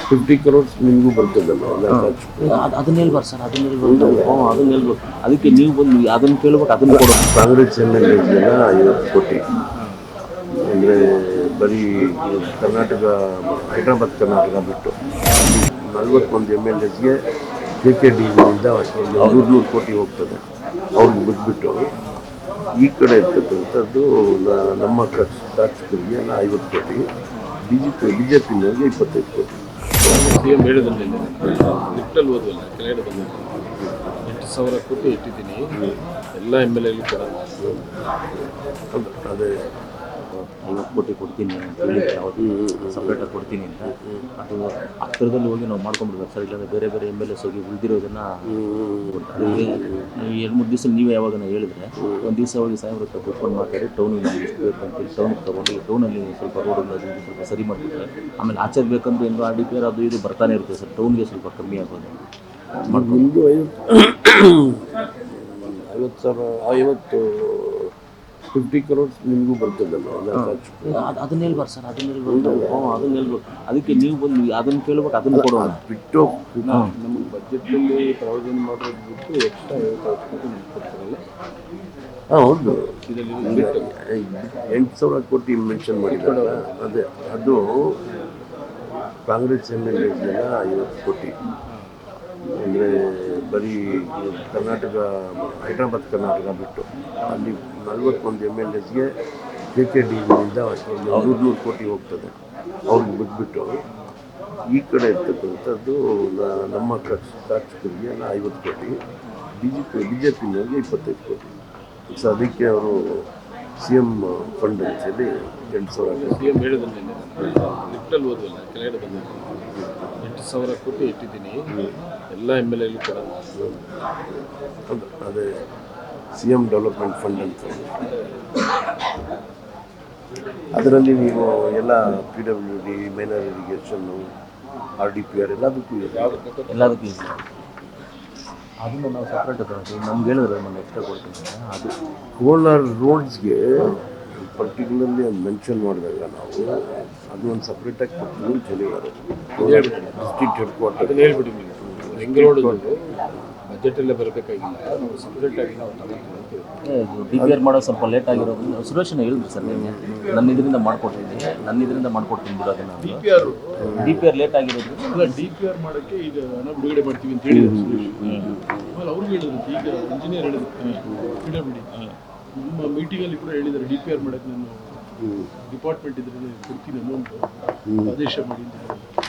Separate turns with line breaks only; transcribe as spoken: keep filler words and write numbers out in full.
Fifty crores ನಿಮಗೂ ಬರ್ತದಲ್ಲ
ಅದನ್ನ ಹೇಳ್ಬಾರ್ದು ಸರ್, ಅದನ್ನ ಹೇಳ್ಬಾರ್ದು. ಹ್ಞೂ ಅದನ್ನ ಹೇಳ್ಬೇಕು. ಅದಕ್ಕೆ ನೀವು ಬಂದು ಅದನ್ನು ಕೇಳ್ಬೇಕು, ಅದನ್ನು ಕೊಡೋ.
ಕಾಂಗ್ರೆಸ್ ಎಮ್ ಎಲ್ ಎಸ್ಗೆಲ್ಲ ಐವತ್ತು ಕೋಟಿ ಅಂದರೆ ಬರೀ ಕರ್ನಾಟಕ, ಹೈದ್ರಾಬಾದ್ ಕರ್ನಾಟಕ ಬಿಟ್ಟು ನಲ್ವತ್ತೊಂದು ಎಮ್ ಎಲ್ ಎಸ್ಗೆ ಕೆ ಕೆ ಡಿ ಇಂದ ನೂರು ನೂರು ಕೋಟಿ ಹೋಗ್ತದೆ ಅವ್ರಿಗೆ ಬಿಟ್ಬಿಟ್ಟು. ಈ ಕಡೆ ಇರ್ತಕ್ಕಂಥದ್ದು ನಮ್ಮ ಖರ್ಚು ಶಾಸಕರಿಗೆ ಎಲ್ಲ ಐವತ್ತು ಕೋಟಿ, B J P B J ಪಿನವ್ರಿಗೆ ಇಪ್ಪತ್ತೈದು ಕೋಟಿ.
ಸಿ ಎಂ ಹೇಳಿದ್ರಲ್ಲಿ ಲಿಫ್ಟಲ್ಲಿ ಓದುವಲ್ಲ ಕೆಳಗಡೆ ಬಂದ ಎಂಟು ಸಾವಿರ ಕೋಟಿ ಇಟ್ಟಿದ್ದೀನಿ ಎಲ್ಲ ಎಮ್ ಎಲ್ ಎಲ್ಲಿ ಕೂಡ
ಅದೇ
ಐವತ್ತು ಕೋಟಿ ಕೊಡ್ತೀನಿ ಅಂತ ಹೇಳಿದ್ರೆ ಯಾವತ್ತು ಸಪ್ರೇಟಾಗಿ ಕೊಡ್ತೀನಿ ಅಂತ. ಅದು ಹತ್ತಿರದಲ್ಲಿ ಹೋಗಿ ನಾವು ಮಾಡ್ಕೊಂಡ್ಬಿಡ್ಬೇಕು ಸರ್, ಇಲ್ಲಾಂದರೆ ಬೇರೆ ಬೇರೆ ಎಮ್ ಎಲ್ ಎಸ್ ಹೋಗಿ ಉಳಿದಿರೋದನ್ನು ಅದಕ್ಕೆ ಎರಡು ಮೂರು ದಿವಸ ನೀವೇ ಯಾವಾಗ ಹೇಳಿದ್ರೆ ಒಂದು ದಿವಸ ಹೋಗಿ ಸಾಹೇಬ್ರ ಹತ್ರ ಕೂತ್ಕೊಂಡು ಮಾತಾಡಿ ಟೌನಿಗೆ ನಮಗೆ ಎಷ್ಟು ಬೇಕು ಅಂತೇಳಿ ಟೌನಿಗೆ ತೊಗೊಂಡು ಟೌನಲ್ಲಿ ಸ್ವಲ್ಪ ರೋಡ್ ಅದು ಸ್ವಲ್ಪ ಸರಿ ಮಾಡಿಬಿಟ್ರೆ ಆಮೇಲೆ ಆಚೆ ಬೇಕಂದ್ರೆ ಏನು ಆರ್ ಡಿ ಪಿ ಆರ್ ಅದು ಇದು ಬರ್ತಾನೆ ಇರ್ತದೆ ಸರ್, ಟೌನ್ಗೆ ಸ್ವಲ್ಪ ಕಮ್ಮಿ ಆಗೋದು
ನಿಮ್ಮದು ಐವತ್ತು ಐವತ್ತು ಸಾವಿರ ಐವತ್ತು ಫಿಫ್ಟಿ ಕ್ರೋರ್ಸ್ ನಿಮಗೂ ಬರ್ತದಲ್ಲ
ಅದನ್ನ ಹೇಳ್ಬಾರ್ದು ಸರ್, ಅದನ್ನ ಹೇಳ್ಬಾರ್ದು. ಹ್ಞೂ ಅದನ್ನ ಹೇಳ್ಬೇಕು. ಅದಕ್ಕೆ ನೀವು ಬಂದು ಅದನ್ನು ಕೇಳ್ಬೇಕು, ಅದನ್ನು ಕೊಡೋ.
ಬಿಟ್ಟು
ನಮಗೆ ಬಜೆಟಲ್ಲಿ ಪ್ರಾವಿಷನ್ ಮಾಡೋದು ಬಿಟ್ಟು ಎಕ್ಸ್ಟ್ರಾ ಐವತ್ತು ಕೋಟಿ ಕೊಡ್ತಾರಲ್ಲ.
ಹಾಂ ಹೌದು,
ಇದರಲ್ಲಿ
ಎಂಟು ಸಾವಿರ ಕೋಟಿ ಮೆನ್ಷನ್ ಮಾಡಿದ್ದಾರಲ್ಲ, ಅದೇ ಅದು ಕಾಂಗ್ರೆಸ್ ಎಮ್ ಎಲ್ ಎಸ್ಗೆಲ್ಲ ಐವತ್ತು ಕೋಟಿ ಅಂದರೆ ಬರೀ ಕರ್ನಾಟಕ, ಹೈದ್ರಾಬಾದ್ ಕರ್ನಾಟಕ ಬಿಟ್ಟು ಅಲ್ಲಿ ನಲ್ವತ್ತೊಂದು ಎಮ್ ಎಲ್ ಎಸ್ಗೆ ಕೆ ಕೆ ಡಿ ಇಂದ ನೂರು ನೂರು ಕೋಟಿ ಹೋಗ್ತದೆ ಅವ್ರಿಗೆ ಬಿಟ್ಬಿಟ್ಟು. ಈ ಕಡೆ ಇರ್ತಕ್ಕಂಥದ್ದು ನಮ್ಮ ಖರ್ಚು ಶಾಸಕರಿಗೆ ಎಲ್ಲ ಐವತ್ತು ಕೋಟಿ, B J P B J ಪಿನವ್ರಿಗೆ ಇಪ್ಪತ್ತೈದು ಕೋಟಿ. ಸೊ ಅದಕ್ಕೆ ಅವರು ಸಿ ಎಮ್ ಫಂಡ್ ಅಂತೇಳಿ ಎಂಟು ಸಾವಿರ
ಸಿ ಎಂ ಹೇಳಿದ್ರಲ್ಲಿ ಲಿಫ್ಟಲ್ಲಿ ಓದುವಲ್ಲ ಕೆಳಗಡೆ ಬಂದ ಎಂಟು ಸಾವಿರ ಕೋಟಿ ಇಟ್ಟಿದ್ದೀನಿ ಎಲ್ಲ ಎಮ್ ಎಲ್ ಎಲ್ಲಿ ಕೂಡ
ಅದೇ ಸಿ ಎಮ್ ಡೆವಲಪ್ಮೆಂಟ್ ಫಂಡ್ ಅಂತ. ಅದರಲ್ಲಿ ನೀವು ಎಲ್ಲ ಪಿ ಡಬ್ಲ್ಯೂ ಡಿ, ಮೈನರ್ ಇರಿಗೇಷನ್ನು, ಆರ್ ಡಿ ಪಿ ಆರ್ ಎಲ್ಲದಕ್ಕೂ
ಎಲ್ಲದಕ್ಕೂ ಇದೆ. ಅದನ್ನು ನಾವು ಸಪ್ರೇಟ್ ನಮ್ಗೆ ಹೇಳಿದ್ರೆ ನಾನು ಎಕ್ಸ್ಟ್ರಾ ಕೊಡ್ತೀನಿ. ಅದು
ಕೋಲಾರ ರೋಡ್ಸ್ಗೆ ಪರ್ಟಿಕ್ಯುಲರ್ಲಿ ಅದು ಮೆನ್ಷನ್ ಮಾಡಿದಾಗ ನಾವು ಅದು ಒಂದು ಸಪ್ರೇಟಾಗಿ ಕೊಡ್ತೀವಿ ಅಂತ ಹೇಳಿದ್ದಾರೆ. ಡಿಸ್ಟ್ರಿಕ್ಟ್ ಹೆಡ್ ಕ್ವಾರ್ಟರ್
ಅದನ್ನು ಹೇಳ್ಬಿಡಿ ನೀವು. ಬೆಂಗಳೂರು ಬಜೆಟಲ್ಲೇ ಬರಬೇಕಾಗಿಲ್ಲ, ನಾವು ಸಪ್ರೇಟಾಗಿ ನಾವು ತಗೊಳ್ತೀವಿ ಅಂತ ಹೇಳಿ.
ಡಿ ಪಿ ಆರ್ ಮಾಡೋ ಸ್ವಲ್ಪ ಲೇಟ್ ಆಗಿರೋದ್ರಿಂದ ಸುರೇಶನ ಹೇಳಿದ್ರು ಸರ್, ನಿಮಗೆ ನನ್ನ ಇದರಿಂದ ಮಾಡ್ಕೊಡ್ತೀನಿ ನನ್ನ ಇದರಿಂದ ಮಾಡ್ಕೊಡ್ತೀನಿ ಬಿಡೋದನ್ನ.
D P R
D P R late ಆಗಿರೋದ್ರಿಂದ
ಅಲ್ಲ, ಡಿ ಪಿ ಆರ್ ಮಾಡೋಕ್ಕೆ ಈಗ ಹಣ ಬಿಡುಗಡೆ ಮಾಡ್ತೀವಿ ಅಂತ ಹೇಳಿದ್ರು ಸುರೇಶ್. ಆಮೇಲೆ ಅವ್ರಿಗೆ ಹೇಳಿದ್ರು, ಈಗ ಇಂಜಿನಿಯರ್ ಹೇಳಿದ್ರು ಪಿ ಡಬ್ಲ್ಯೂ ಡಿ ನಮ್ಮ ಮೀಟಿಂಗಲ್ಲಿ ಕೂಡ ಹೇಳಿದ್ದಾರೆ, ಡಿ ಪಿ ಆರ್ ಮಾಡೋಕ್ಕೆ ನಾನು ಡಿಪಾರ್ಟ್ಮೆಂಟ್ ಇದ್ರೆ ಕೊಡ್ತೀನಿ ಅಮೌಂಟು ಆದೇಶ ಮಾಡಿ ಅಂತ ಹೇಳಿದ್ರು.